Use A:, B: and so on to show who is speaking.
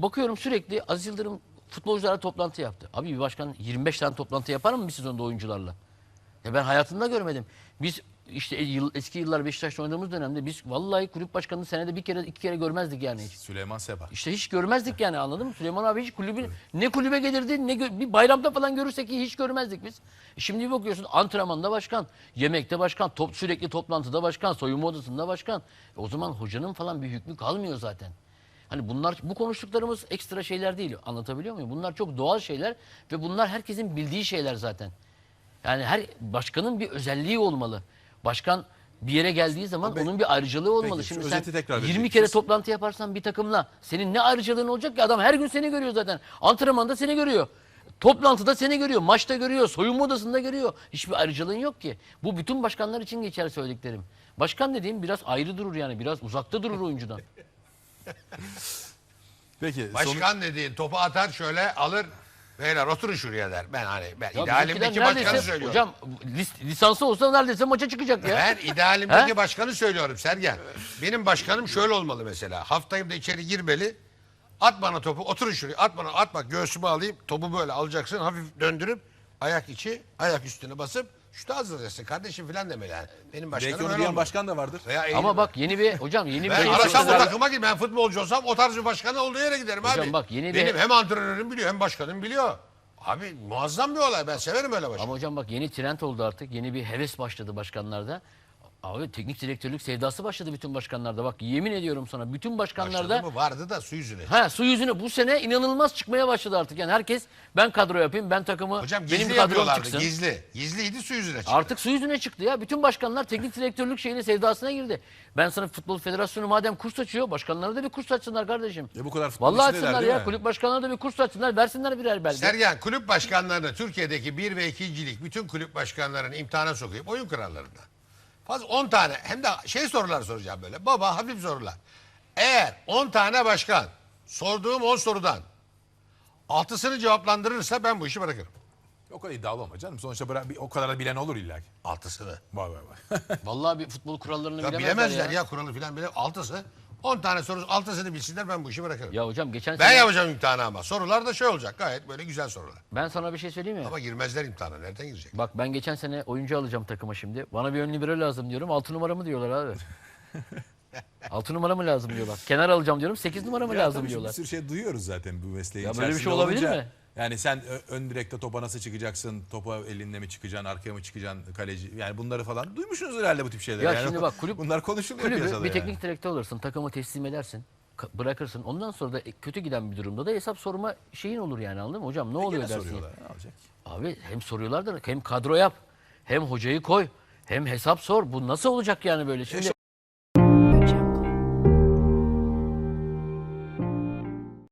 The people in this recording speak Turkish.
A: bakıyorum sürekli Aziz Yıldırım futbolcularla toplantı yaptı. Abi bir başkan 25 tane toplantı yapar mı bir sezonda oyuncularla? Ya ben hayatımda görmedim. Biz işte eski yıllar Beşiktaş'ta oynadığımız dönemde biz vallahi kulüp başkanını senede bir kere iki kere görmezdik yani hiç.
B: Süleyman Seba.
A: İşte hiç görmezdik yani, anladın mı? Süleyman abi hiç ne kulübe gelirdi ne bir bayramda falan görürsek hiç görmezdik biz. Şimdi bir bakıyorsun antrenmanda başkan, yemekte başkan, sürekli toplantıda başkan, soyunma odasında başkan. O zaman hocanın falan bir hükmü kalmıyor zaten. Hani bu konuştuklarımız ekstra şeyler değil. Anlatabiliyor muyum? Bunlar çok doğal şeyler ve bunlar herkesin bildiği şeyler zaten. Yani her başkanın bir özelliği olmalı. Başkan bir yere geldiği zaman onun bir ayrıcalığı olmalı.
B: Peki,
A: Şimdi
B: şu
A: sen
B: özeti tekrar
A: 20
B: verecek
A: kere
B: misiniz?
A: toplantı yaparsan bir takımla senin ne ayrıcalığın olacak ki? Adam her gün seni görüyor zaten. Antrenmanda seni görüyor. Toplantıda seni görüyor. Maçta görüyor. Soyunma odasında görüyor. Hiçbir ayrıcalığın yok ki. Bu bütün başkanlar için geçer söylediklerim. Başkan dediğim biraz ayrı durur yani. Biraz uzakta durur oyuncudan.
B: Peki
C: Başkan dediğin topu atar şöyle alır. Beyler oturun şuraya der. Ben
A: Ya
C: idealimdeki
A: bizimkiler
C: başkanı
A: neredeyse-
C: söylüyorum.
A: Hocam lisansı olsa neredeyse maça çıkacak ya.
C: Ben idealimdeki
A: He?
C: başkanı söylüyorum Sergen. Benim başkanım şöyle olmalı mesela. Haftayım da içeri girmeli. At bana topu, oturun şuraya. At bana, at bak göğsüme alayım. Topu böyle alacaksın. Hafif döndürüp ayak içi, ayak üstüne basıp şutu hazırlayacaksın kardeşim filan demeli yani. Benim başkanım
B: belki onu
C: öyle
B: diyen
C: olmalı.
B: başkan da vardır.
C: Veya
A: Ama
C: eğilim.
A: bak yeni bir
C: Ben
A: şey
C: arasam o
A: söyleyeyim.
C: takıma gir. Ben futbolcu olsam o tarz bir başkanı olduğu yere giderim
A: Hocam
C: abi.
A: bak yeni
C: Benim
A: bir-
C: hem antrenörüm biliyor hem başkanım biliyor. Abi muazzam bir olay. Ben severim öyle başkanı.
A: Ama hocam bak yeni trend oldu artık. Yeni bir heves başladı başkanlarda. Abi teknik direktörlük sevdası başladı bütün başkanlarda. Bak yemin ediyorum sana bütün başkanlarda
C: Başladı mı? Vardı da su yüzüne.
A: su yüzüne bu sene inanılmaz çıkmaya başladı artık. Yani herkes ben kadro yapayım, ben takımı
C: Hocam
A: benim
C: gizli
A: kadrom
C: yapıyorlardı.
A: çıksın.
C: Gizli. Gizliydi su yüzüne çıktı.
A: Artık su yüzüne çıktı ya. Bütün başkanlar teknik direktörlük şeyine sevdasına girdi. Ben sana Futbol Federasyonu madem kurs açıyor, başkanlara da bir kurs açsınlar kardeşim.
B: Bu kadar futbol
A: Vallahi
B: içindeler
A: açsınlar
B: değil
A: ya.
B: mi?
A: Kulüp başkanlarına da bir kurs açsınlar, versinler birer belge.
C: Sergen kulüp başkanlarını Türkiye'deki 1 ve 2'cilik bütün kulüp başkanlarını imtihana sokayım. Oyun kurallarında. Fazla 10 tane hem de sorular soracağım böyle. Baba hafif sorular. Eğer 10 tane başkan sorduğum 10 sorudan 6'sını cevaplandırırsa ben bu işi bırakırım.
B: O kadar iddialı olma canım. Sonuçta o kadar da bilen olur illa ki.
C: 6'sını.
B: Vay vay vay.
A: Vallahi bir futbol kurallarını
C: Ya
A: bilemezler
C: bilemezler ya kuralı filan bile 6'sı. 10 tane soru 6'sını bilsinler ben bu işi bırakırım.
A: Ya hocam geçen
C: Ben
A: sene
C: yapacağım imtihanı ama. Sorular da olacak gayet böyle güzel sorular.
A: ben sana bir şey söyleyeyim mi?
C: Ama girmezler imtihana. Nereden girecek?
A: Bak ben geçen sene oyuncu alacağım takıma şimdi. Bana bir ön libero lazım diyorum. 6 numara mı diyorlar abi. 6 numara mı lazım diyorlar. Kenar alacağım diyorum. 8 numara mı
B: Ya
A: lazım
B: tabii
A: diyorlar.
B: Bir sürü şey duyuyoruz zaten bu mesleğin
A: Ya böyle bir şey
B: içerisinde
A: olabilir
B: olunca.
A: mi?
B: Yani sen ön direkte topa nasıl çıkacaksın, topa elinle mi çıkacaksın, arkaya mı çıkacaksın, kaleci. Yani bunları falan duymuşsunuz herhalde bu tip şeyleri.
A: Ya
B: yani
A: şimdi bak kulüp
B: bunlar konuşuluyor
A: kulübü
B: piyasada
A: bir
B: yani.
A: teknik direktör alırsın. Takımı teslim edersin. Bırakırsın. Ondan sonra da kötü giden bir durumda da hesap sorma şeyin olur yani, anladın mı? Hocam ne oluyor
B: Gene
A: dersin.
B: soruyorlar. Ne olacak?
A: Abi hem soruyorlar da hem kadro yap. Hem hocayı koy. Hem hesap sor. Bu nasıl olacak yani böyle? Şimdi